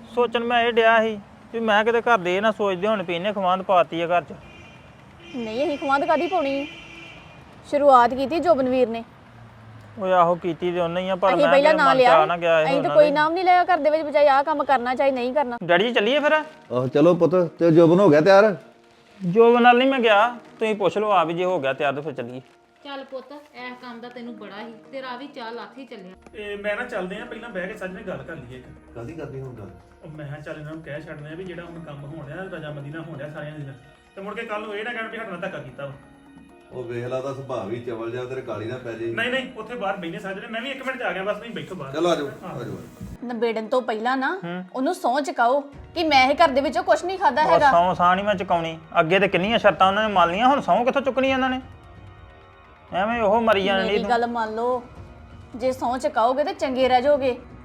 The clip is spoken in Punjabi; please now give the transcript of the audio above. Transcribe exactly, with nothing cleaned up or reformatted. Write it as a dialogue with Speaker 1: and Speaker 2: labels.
Speaker 1: ਸੋਚਣ ਮੈਂ ਇਹ ਡਿਆ ਸੀ ਵੀ ਮੈਂ ਕਿਤੇ ਘਰ ਦੇ ਇਹ ਨਾ ਸੋਚਦੇ ਹੁਣ ਵੀ ਇਹਨੇ ਖਵਾਂਦ ਪਾਤੀ ਆ ਘਰ 'ਚ।
Speaker 2: ਨਹੀਂ ਅਸੀਂ ਖਵਾਂਦ ਕਾਦੀ ਪਾਉਣੀ ਸ਼ੁਰੂਆਤ ਕੀਤੀ ਜੋਬਨਵੀਰ ਨੇ।
Speaker 1: ਉਹ ਆਹੋ ਕੀਤੀ ਤੇ ਉਹਨੇ ਹੀ ਆ ਪਰ
Speaker 2: ਅਸੀਂ
Speaker 1: ਮੈਂ
Speaker 2: ਪਹਿਲਾਂ
Speaker 1: ਕਿਹਾ
Speaker 2: ਨਾਂ
Speaker 1: ਮਨ 'ਚ
Speaker 2: ਲਿਆ
Speaker 1: ਆ ਨਾ ਗਿਆ ਇਹ
Speaker 2: ਅਸੀਂ ਤਾਂ
Speaker 1: ਉਹਨਾਂ
Speaker 2: ਕੋਈ
Speaker 1: ਦੇ।
Speaker 2: ਨਾਮ ਨਹੀਂ ਲਿਆ ਘਰ ਦੇ ਵਿੱਚ ਬਚਾਈ ਆਹ ਕੰਮ ਕਰਨਾ ਚਾਹੀ ਨਹੀਂ ਕਰਨਾ।
Speaker 1: ਡੈਡੀ ਜੀ ਚੱਲੀਏ ਫਿਰ?
Speaker 3: ਆਹੋ ਚਲੋ ਪੁੱਤ ਤੇ ਜੋਬਨ ਹੋ ਗਿਆ ਤਿਆਰ।
Speaker 1: ਜੋਬ ਨਾਲ ਨਹੀਂ ਮੈਂ ਗਿਆ, ਤੁਸੀਂ ਪੁੱਛ ਲਓ ਆ ਵੀ ਜੇ ਹੋ ਗਿਆ ਤਿਆਰ ਤਾਂ ਫਿਰ ਚੱਲੀਏ।
Speaker 4: ਚੱਲ ਪੁੱਤ ਇਸ ਕੰਮ ਦਾ ਤੈਨੂੰ ਬੜਾ ਹੀ ਤੇਰਾ ਵੀ ਚਾਹ ਲੱਥ ਹੀ ਚੱਲਿਆ।
Speaker 5: ਤੇ ਮੈਂ ਨਾ ਚੱਲਦੇ ਆ ਪਹਿਲਾਂ ਬਹਿ ਕੇ ਸੱਜ ਨੇ ਗੱਲ ਕਰ ਲਈਏ ਇੱਕ।
Speaker 3: ਕਾਹਦੀ ਕਰਦੀ ਹੁਣ ਗੱਲ?
Speaker 5: ਉਹ ਮੈਂ ਕਿਹਾ ਚੱਲ ਇਹਨਾਂ ਨੂੰ ਕਹਿ ਛੱਡਦੇ ਆ ਵੀ ਜਿਹੜਾ ਹੁਣ ਕੰਮ ਹੋਣ ਡਿਆ ਰਜਾਮੰਦੀ ਨਾਲ ਹੋਣ ਡਿਆ ਸਾਰਿਆਂ ਦੇ ਨਾਲ, ਤੇ ਮੁੜ ਕੇ ਕੱਲ ਨੂੰ ਇਹ ਨਾ ਕਹਿਣ ਵੀ ਸਾਡਾ ਧੱਕਾ ਕੀਤਾ ਵਾ।
Speaker 3: ਉਹ ਵੇਖ ਲਾ ਦਾ ਸੁਭਾਅ ਵੀ ਚਵਲ ਜਾ ਤੇਰੇ ਕਾਲੀ ਨਾ ਪੈ ਜੇ।
Speaker 5: ਨਹੀਂ ਨਹੀਂ ਉੱਥੇ ਬਾਹਰ ਬੈਠੇ ਸੱਜ ਨੇ, ਮੈਂ ਵੀ ਇੱਕ ਮਿੰਟ 'ਚ ਆ ਗਿਆ ਬਸ, ਨਹੀਂ ਬੈਠੋ ਬਾਹਰ।
Speaker 3: ਚਲੋ ਆਜੋ ਆਜੋ।
Speaker 2: ਨਬੇੜਨ ਤੋਂ ਪਹਿਲਾਂ ਨਾ ਉਹਨੂੰ ਸਹੁੰ ਚੁਕਾਓ ਕਿ ਮੈਂ ਇਹ ਘਰ ਦੇ ਵਿੱਚੋਂ ਕੁਝ ਨਹੀਂ ਖਾਦਾ
Speaker 1: ਉਹ
Speaker 2: ਹੈਗਾ।
Speaker 1: ਸੌ ਸਾਂ ਨਹੀਂ ਮੈਂ ਚੁਕਾਉਣੀ, ਅੱਗੇ ਤੇ ਕਿੰਨੀਆਂ ਸ਼ਰਤਾਂ ਉਹਨਾਂ ਨੇ ਮੰਨ ਲਈਆਂ, ਹੁਣ ਸੌ ਕਿੱਥੋਂ ਚੁੱਕਣੀ ਇਹਨਾਂ ਨੇ? ਐਵੇਂ ਉਹ ਮਰੀ ਜਾਣੀ।
Speaker 2: ਮੇਰੀ ਗੱਲ ਮੰਨ ਲਓ, ਜੇ ਸਹੁੰ ਚੁਕਾਓਗੇ ਤੇ ਚੰਗੇ ਰਹਿ ਜਾਓਗੇ।